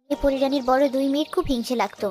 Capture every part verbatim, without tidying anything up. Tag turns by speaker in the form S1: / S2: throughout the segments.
S1: এই পরিরানীর বড় দুই মেয়ের খুব হিংসে লাগতো।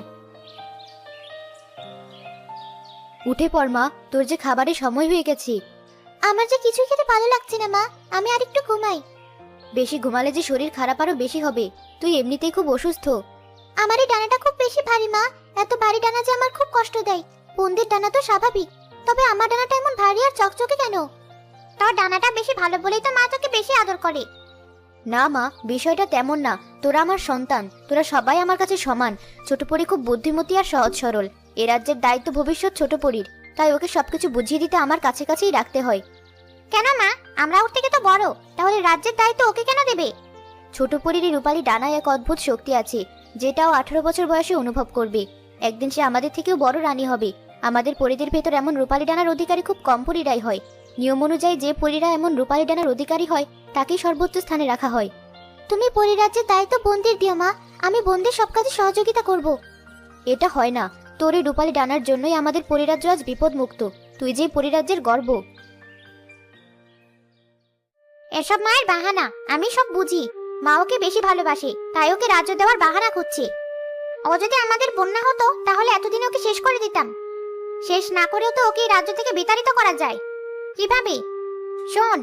S1: উঠে পড় মা, তোর যে খাবারের সময় হয়ে গেছে। আমার যে কিছুই খেতে ভালো লাগছে না মা, আমি আর একটু ঘুমাই। বেশি ঘুমালে যে শরীর খারাপ আরো বেশি হবে, তুই এমনিতেই খুব অসুস্থ। আমার এই ডানাটা খুব বেশি ভারী মা, এত ভারী ডানা যে আমার খুব কষ্ট দেয়। বোনদের ডানা তো স্বাভাবিক, তবে আমার ডানাটা এমন ভারী আর চকচকে কেন? তোর ডানাটা বেশি ভালো বলেই তো মা তোকে বেশি আদর করে। না মা, বিষয়টা তেমন না। তোরা আমার সন্তান, তোরা সবাই আমার কাছে সমান। ছোট পরি খুব বুদ্ধিমতী আর সহজ সরল। এ রাজ্যের দায়িত্ব ভবিষ্যৎ ছোট পরির, তাই ওকে সবকিছু বুঝিয়ে দিতে আমার কাছে কাছেই রাখতে হয়। কেন মা, আমরা ওর থেকে তো বড়, তাহলে রাজ্যের দায়িত্ব ওকে কেন দেবে? ছোট পরির রূপালী ডানায় এক অদ্ভুত শক্তি আছে, যেটাও আঠারো বছর বয়সে অনুভব করবে। একদিন সে আমাদের থেকেও বড় রানী হবে। আমাদের পরিদের ভেতর এমন রূপালী ডানার অধিকারী খুব কম পরিরাই হয়। নিয়ম অনুযায়ী যে পরিরা এমন রূপালী ডানার অধিকারী হয় তাকেই সর্বোচ্চ স্থানে রাখা হয়। তুমি পরিরাজ্যের দায়িত্ব বোনদের দিও মা, আমি বোনদের সব কাজে সহযোগিতা করব। এটা হয় না, তোর এই রূপালী ডানার জন্যই আমাদের পরিরাজ্য আজ বিপদ মুক্ত। তুই যে পরিরাজ্যের গর্ব। এসব মায়ের বাহানা, আমি সব বুঝি। মা ওকে বেশি ভালোবাসে, তাই ওকে রাজ্য দেওয়ার বাহানা খুঁজছে। ও যদি আমাদের বন্যা হতো তাহলে এতদিন ওকে শেষ করে দিতাম। শেষ না করেও তো ওকে রাজ্য থেকে বিতাড়িত করা যায়। কিভাবে? শোন।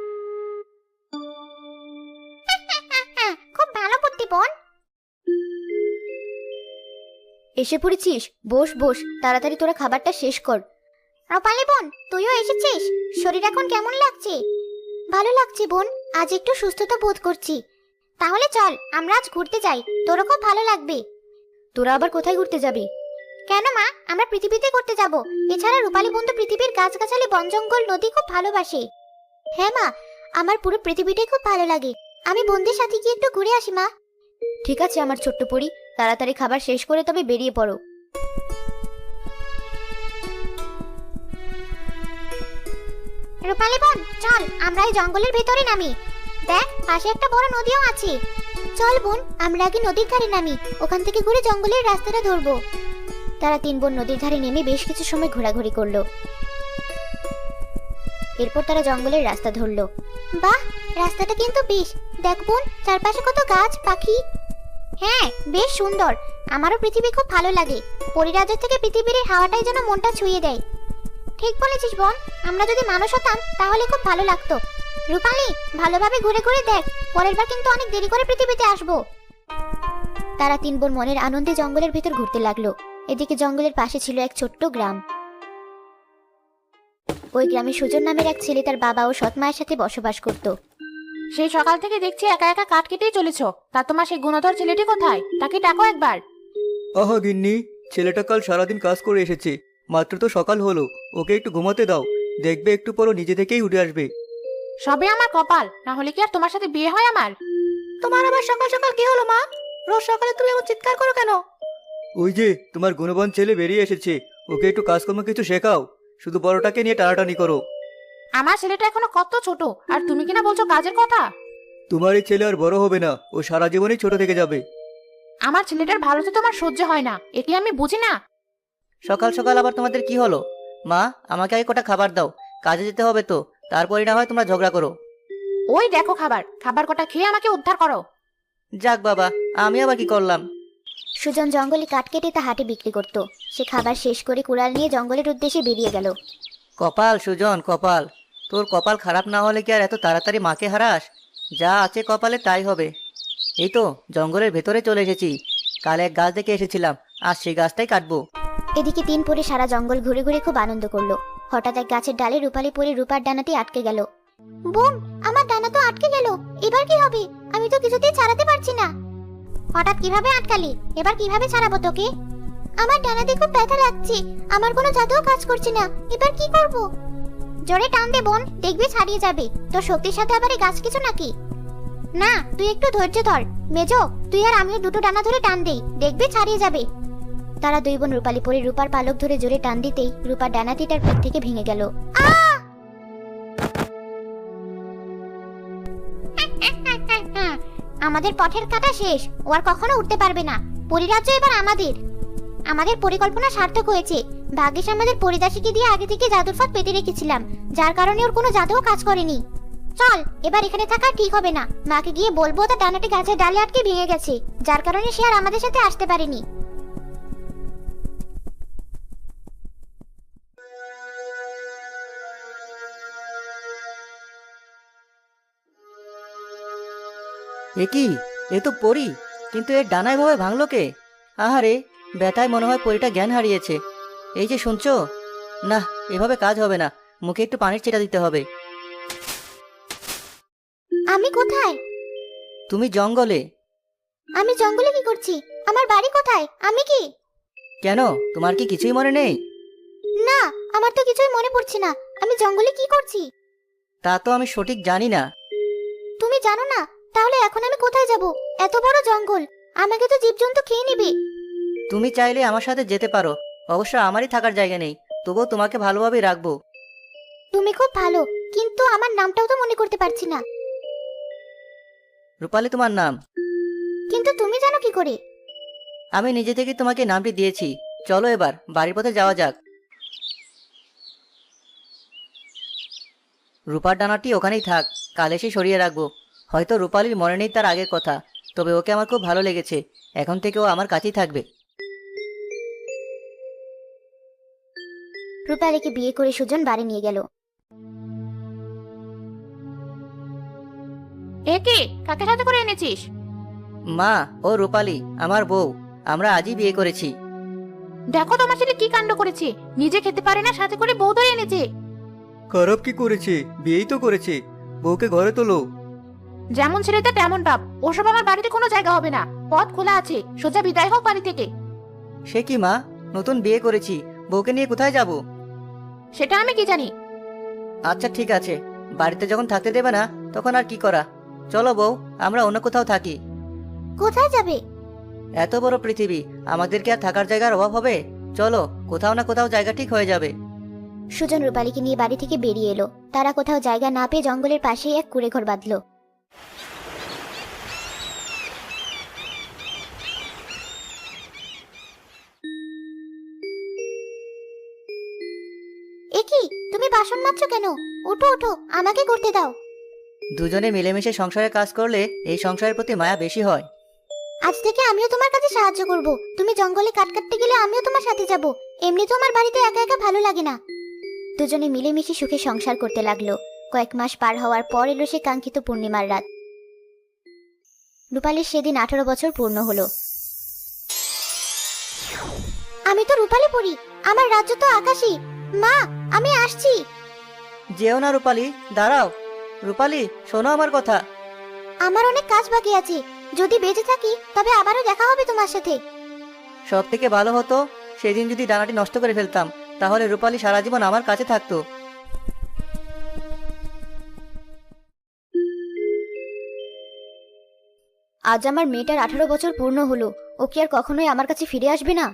S1: খুব ভালো বুদ্ধি বোন। এসে পড়েছিস? বস বস, তাড়াতাড়ি তোরা খাবারটা শেষ কর। রূপালী বোন, তুইও এসেছিস? শরীর এখন কেমন লাগছে? ভালো লাগছে বোন, আজ একটু সুস্থতা বোধ করছি। তাহলে চল আমরা আজ ঘুরতে যাই, তোরও খুব ভালো লাগবে। তোরা আবার কোথায় ঘুরতে যাবি? কেন মা, আমরা পৃথিবীতে ঘুরতে যাব। এছাড়া রূপালী বোন তো পৃথিবীর গাছগাছালি, বন জঙ্গল, নদী খুব ভালোবাসে। হ্যাঁ মা, আমার পুরো পৃথিবীটাই খুব ভালো লাগে। আমি বোনদের সাথে গিয়ে একটু ঘুরে আসি মা। ঠিক আছে আমার ছোট্ট পরি, তাড়াতাড়ি খাবার শেষ করে তবে বেরিয়ে পড়ো। রূপালী বোন চল, আমরা এই জঙ্গলের ভেতরে নামি। দেখ, পাশে একটা বড় নদীও আছে। চল বোন, আমরা আগে নদীর ধারে নামি, ওখান থেকে ঘুরে জঙ্গলের রাস্তাটা ধরবো। তারা তিন বোন নদীর ধারে নেমে বেশ কিছু সময় ঘোরাঘুরি করলো। এরপর তারা জঙ্গলের রাস্তা ধরলো। বাহ, রাস্তাটা কিন্তু বেশ। দেখ বোন, চারপাশে কত গাছ পাখি। হ্যাঁ, বেশ সুন্দর। আমারও পৃথিবী খুব ভালো লাগে। পরিরাজ্য থেকে পৃথিবীর এই হাওয়াটাই যেন মনটা ছুঁয়ে দেয়। ঠিক বলেছিস বোন, আমরা যদি মানুষ হতাম তাহলে খুব ভালো লাগতো। রূপালী, ভালোভাবে ঘুরে ঘুরে দেখ, পরের বার কিন্তু অনেক দেরি করে পৃথিবীতে আসবো। তারা তিন বোন মনের আনন্দে জঙ্গলের ভিতর ঘুরতে লাগলো। এদিকে জঙ্গলের পাশে ছিল এক ছোট্ট গ্রাম। ওই গ্রামে সুজন নামের এক ছেলে তার বাবা ও সৎ মায়ের সাথে বসবাস করত।
S2: সেই সকাল থেকে দেখছি একা একা কাঠ কেটেই চলেছ। তা তোমার সেই গুণধর ছেলেটি কোথায়? তাকে ডাকো একবার।
S3: আহা গিন্নি, ছেলেটা কাল সারাদিন কাজ করে এসেছে, মাত্র তো সকাল হলো। ওকে একটু ঘুমাতে দাও, দেখবে একটু পরও নিজে থেকেই উঠে আসবে।
S2: সবে আমার কপাল, না হলে কি আর তোমার সাথে বিয়ে হয় আমার?
S4: তোমার আবার সকাল সকাল কি হলো মা? রোজ সকালে তুমি এমন চিৎকার করো কেন?
S3: ওই যে তোমার গুণবান ছেলে বেরিয়ে এসেছে, ওকে একটু কাজকর্ম কিছু শেখাও, শুধু বড়টাকে নিয়ে টানাটানি করো।
S2: আমার ছেলেটা এখনো কত ছোট, আর তুমি কিনা বলছো কাজের কথা?
S3: তোমার এই ছেলে আর বড় হবে না, ও সারা জীবনই ছোট থেকে যাবে।
S2: আমার ছেলেটার ভালো তো তোমার সহ্য হয় না, এটি আমি বুঝি না।
S4: সকাল সকাল আবার তোমাদের কি হলো? মা, আমাকে আগে কটা খাবার দাও, কাজে যেতে হবে তো, তারপরে না হয় তোমরা ঝগড়া করো।
S2: ওই দেখো খাবার, খাবার কটা খেয়ে আমাকে উদ্ধার করো।
S4: যাক বাবা, আমি আবার কি করলাম?
S1: সুজন জঙ্গলে কাঠ কেটে তা হাটে বিক্রি করত। সে খাবার শেষ করে কুড়াল নিয়ে জঙ্গলের উদ্দেশ্যে বেরিয়ে গেল।
S4: কপাল সুজন, কপাল। তোর কপাল খারাপ না হলে কি আর এত তাড়াতাড়ি মাকে হারাস? যা আছে কপালে তাই হবে। এই তো জঙ্গলের ভেতরে চলে এসেছি। কাল এক গাছ দেখে এসেছিলাম, আজ সেই গাছটাই কাটবো।
S1: এদিকে তিন পরে সারা জঙ্গল ঘুরে ঘুরে খুব আনন্দ করলো। হঠাৎ এক গাছের ডালে রূপালী পরে রূপার ডানাটি আটকে গেল। বোন, আমার ডানা তো আটকে গেল, এবার কি হবে? আমি তো কিছুতেই ছাড়াতে পারছি না। হঠাৎ কিভাবে আটকালি? এবার কিভাবে ছাড়াবো তোকে? আমার ডানাতে খুব ব্যথা লাগছে, আমার কোনো জাদুও কাজ করছে না, এবার কি করব? জোরে টান দে বোন, দেখবি ছাড়িয়ে যাবে। তোর শক্তির সাথে আবার এই গাছ কিছু নাকি? না, তুই একটু ধৈর্য ধর। মেজো, তুই আর আমিও দুটো ডানা ধরে টান দেই, দেখবি ছাড়িয়ে যাবে। তারা দুই বোন রূপালী পরে রূপার পালক ধরে জোরে টান দিতেই রূপার ডানাটি তার পিঠ থেকে ভেঙে গেল। আমাদের পথের কাটা শেষ, ও আর কখনো উঠতে পারবে না। পরিরাজ্য এবার আমাদের। আমাদের পরিকল্পনা সার্থক হয়েছে। ভাগ্যিস আমাদের পরিদাসীকে দিয়ে আগে থেকে জাদুর ফাঁদ পেতে রেখেছিলাম, যার কারণে ওর কোনো জাদুও কাজ করেনি। চল, এবার এখানে থাকা ঠিক হবে না। মাকে গিয়ে বলবো তার ডানাটি গাছের ডালে আটকে ভেঙে গেছে, যার কারণে সে আর আমাদের সাথে আসতে পারেনি।
S4: এ কি, এ তো পরি, কিন্তু এর ডানায় ভাবে ভাঙলো কে? আহারে, ব্যথায় মনে হয় পরিটা জ্ঞান হারিয়েছে। এই যে শুনছো, না, এভাবে কাজ হবে না, মুখে একটু পানির ছিটা দিতে হবে।
S1: আমি কোথায়?
S4: তুমি জঙ্গলে।
S1: আমি জঙ্গলে কি করছি? আমার বাড়ি কোথায়? আমি কি?
S4: কেন, তোমার কি কিছুই মনে নেই?
S1: না, আমার তো কিছুই মনে পড়ছে না। আমি জঙ্গলে কি করছি?
S4: তা তো আমি সঠিক জানি না।
S1: তুমি জানো না? তাহলে এখন আমি কোথায় যাব? এত বড় জঙ্গল, আমাকে তো জীবজন্তু খেয়ে নেবে।
S4: তুমি চাইলে আমার সাথে যেতে পারো, অবশ্য আমারই থাকার জায়গা নেই, তবুও তোমাকে ভালোভাবেই রাখবো।
S1: তুমি খুব ভালো, কিন্তু আমার নামটাও তো মনে করতে পারছি না।
S4: রূপালী তোমার নাম।
S1: কিন্তু তুমি জানো কি করে?
S4: আমি নিজে থেকে তোমাকে নামটি দিয়েছি। চলো এবার বাড়ির পথে যাওয়া যাক। রূপার ডানাটি ওখানেই থাক, কাল এসে সরিয়ে রাখবো। হয়তো রূপালীর মনে নেই তার আগের কথা, তবে ওকে আমার খুব ভালো লেগেছে। এখন থেকে ও আমার কাছেই থাকবে।
S1: রূপালীকে বিয়ে করে সুজন বাড়ি নিয়ে গেল।
S2: এ কি, কাকে সাথে করে এনেছিস?
S4: মা, ও রূপালী আমার বউ। আমরা আজই বিয়ে করেছি।
S2: দেখো তোমার ছেলে কি কাণ্ড করেছে, নিজে খেতে পারে না, সাথে করে বউ ধরে এনেছে।
S3: খারাপ কি করেছে? বিয়েই তো করেছে। বউকে ঘরে তোলো।
S2: যেমন ছেলেটা তেমন বাপ, ওসব আমার বাড়িতে কোনো জায়গা হবে না। পথ খোলা আছে, সোজা বিদায় হোক বাড়ি থেকে।
S4: সে কি মা, নতুন বিয়ে করেছি, বউকে নিয়ে কোথায় যাব?
S2: সেটা আমি কি জানি?
S4: আচ্ছা ঠিক আছে, বাড়িতে যখন থাকতে দেবে না তখন আর কি করা। চলো বউ, আমরা অন্য কোথাও থাকি।
S1: কোথায় যাবে?
S4: এত বড় পৃথিবী, আমাদের কি আর থাকার জায়গার অভাব হবে? চলো, কোথাও না কোথাও জায়গা ঠিক হয়ে যাবে।
S1: সুজন রূপালীকে নিয়ে বাড়ি থেকে বেরিয়ে এলো। তারা কোথাও জায়গা না পেয়ে জঙ্গলের পাশেই এক কুঁড়ে ঘর বাঁধলো। এ কি, তুমি বাসন মাজছো কেন? ওঠো ওঠো, আমাকে করতে দাও।
S4: দুজনে মিলেমিশে সংসারে কাজ করলে এই সংসারের প্রতি মায়া বেশি হয়।
S1: আজ থেকে আমিও তোমার কাছে সাহায্য করব। তুমি জঙ্গলে কাট কাটতে গেলে আমিও তোমার সাথে যাব। এমনি তো আমার বাড়িতে একা একা ভালো লাগে না। দুজনে মিলেমিশে সুখে সংসার করতে লাগলো। কয়েক মাস পার হওয়ার পর এলো সে কাঙ্ক্ষিত পূর্ণিমার রাত। রূপালীর সেদিন আঠারো বছর পূর্ণ হলো। আমি তো রূপালী পড়ি, আমার রাজ্য তো আকাশী। মা, আমি আসছি।
S4: যেও না রূপালী, দাঁড়াও। রূপালী, শোনো আমার কথা।
S1: আমার অনেক কাজ বাকি আছে। যদি বেঁচে থাকি তবে আবারও দেখা হবে তোমার সাথে।
S4: সব থেকে ভালো হতো সেদিন যদি ডানাটি নষ্ট করে ফেলতাম, তাহলে রূপালী সারা জীবন আমার কাছে থাকতো।
S1: আজ আমার মেয়েটার আঠারো বছর পূর্ণ হলো। ও কি আর কখনোই আমার কাছে ফিরে আসবে না?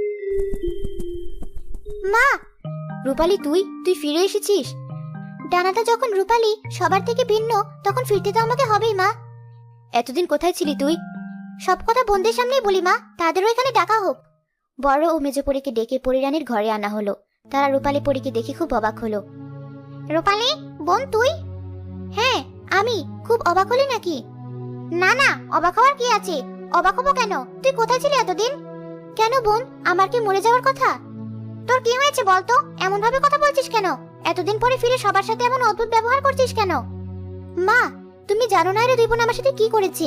S1: মা! রূপালী, তুই তুই ফিরে এসেছিস। ডানাটা যখন রূপালী সবার থেকে ভিন্ন, তখন ফিরতে তো আমাকে হবেই মা। এতদিন কোথায় ছিলি তুই? সব কথা বোনদের সামনেই বলি মা, তাদেরও এখানে ডাকা হোক। বড় ও মেজো পরীকে ডেকে পরিরানীর ঘরে আনা হলো। তারা রূপালী পরীকে দেখে খুব অবাক হলো। রূপালী, বোন তুই? হ্যাঁ আমি। খুব অবাক হলি নাকি? না না, অবাক হওয়ার কি আছে? অবাক হবো কেন? তুই কোথায় ছিলি এতদিন? কেন বোন, আমার কি মরে যাওয়ার কথা? তোর কি হয়েছে বলতো? এমন ভাবে কথা বলছিস কেন? এতদিন পরে ফিরে সবার সাথে এমন অদ্ভুত ব্যবহার করছিস কেন? মা, তুমি জানো না এরা দুই বোন আমার সাথে কি করেছে।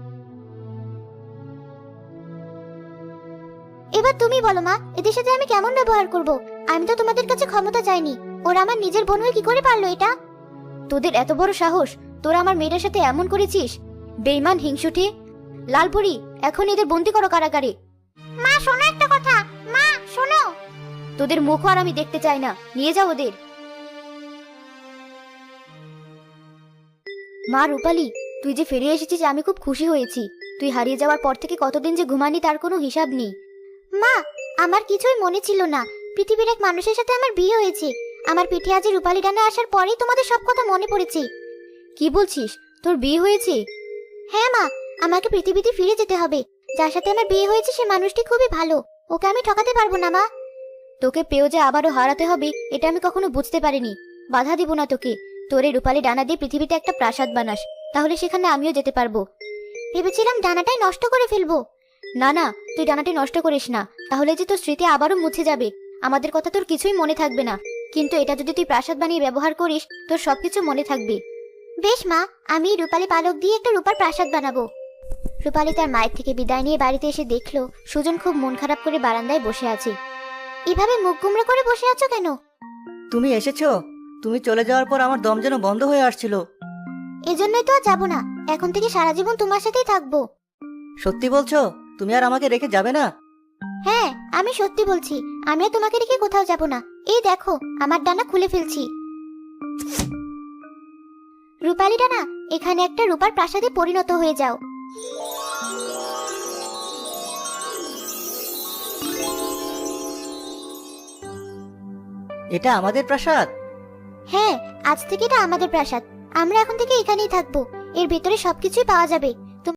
S1: এবার তুমি বলো মা, এদের সাথে আমি কেমন ব্যবহার করব? আমি তো তোমাদের কাছে ক্ষমতা চাইনি। ওরা আমার নিজের বোন হয়ে কি করে পারলো এটা? তোদের এত বড় সাহস, তোরা আমার মেয়েটার সাথে এমন করেছিস? বেঈমান, হিংসুটে! লালপুরি, এখন এদের বন্দি করো কারাগারে। মা শোনো একটা কথা, মা শোনো। তোদের মুখও আর আমি দেখতে চাই না, নিয়ে যাও ওদের। মা রূপালী, তুই যে ফিরে এসেছিস আমি খুব খুশি হয়েছি। তুই হারিয়ে যাওয়ার পর থেকে কতদিন যে ঘুমানি তার কোনো হিসাব নেই। মা, আমার কিছুই মনে ছিল না। পৃথিবীর এক মানুষের সাথে আমার বিয়ে হয়েছে। আমার পিঠে আজ রূপালী ডানা আসার পরেই তোমাদের সব কথা মনে পড়েছে। কি বলছিস? তোর বিয়ে হয়েছে? হ্যাঁ মা, আমাকে পৃথিবীতে ফিরে যেতে হবে। যার সাথে আমার বিয়ে হয়েছে সে মানুষটি খুবই ভালো, ওকে আমি ঠকাতে পারবো না মা। তোকে পেয়েও যে আবারও হারাতে হবে এটা আমি কখনো বুঝতে পারিনি। বাধা দিব না তোকে, তোর এই রূপালী ডানা দিয়ে পৃথিবীতে একটা প্রাসাদ বানাস, তাহলে সেখানে আমিও যেতে পারবো। ভেবেছিলাম ডানাটাই নষ্ট করে ফেলবো। না না, তুই ডানাটি নষ্ট করিস না, তাহলে যে তোর স্মৃতি আবারও মুছে যাবে, আমাদের কথা তোর কিছুই মনে থাকবে না। কিন্তু এটা যদি তুই প্রাসাদ বানিয়ে ব্যবহার করিস, তোর সবকিছু মনে থাকবে। বেশ মা, আমি এই রূপালী পালক দিয়ে একটা রূপার প্রাসাদ বানাবো। রূপালী তার মায়ের থেকে বিদায় নিয়ে বাড়িতে এসে দেখলো সুজন খুব মন খারাপ করে বারান্দায় বসে আছে। এভাবে মুখ গুমড়ে করে বসে আছো কেন?
S4: তুমি এসেছো? তুমি চলে যাওয়ার পর আমার দম যেন বন্ধ হয়ে আসছিল।
S1: এজন্যই তো আর যাবো না, এখন থেকে সারা জীবন তোমার সাথেই থাকবো।
S4: সত্যি বলছো? তুমি আর আমাকে রেখে যাবে না?
S1: হ্যাঁ, আমি সত্যি বলছি, আমিও তোমাকে রেখে কোথাও যাব না। এই দেখো, আমার ডানা খুলে ফেলছি। রূপালী ডানা, এখানে একটা রূপার প্রাসাদে পরিণত হয়ে যাও।
S4: এটা আমাদের প্রাসাদ?
S1: হ্যাঁ, আজ থেকে এটা আমাদের প্রাসাদ। আমরা এখন থেকে এখানেই থাকবো। এর ভেতরে সবকিছুই পাওয়া যাবে।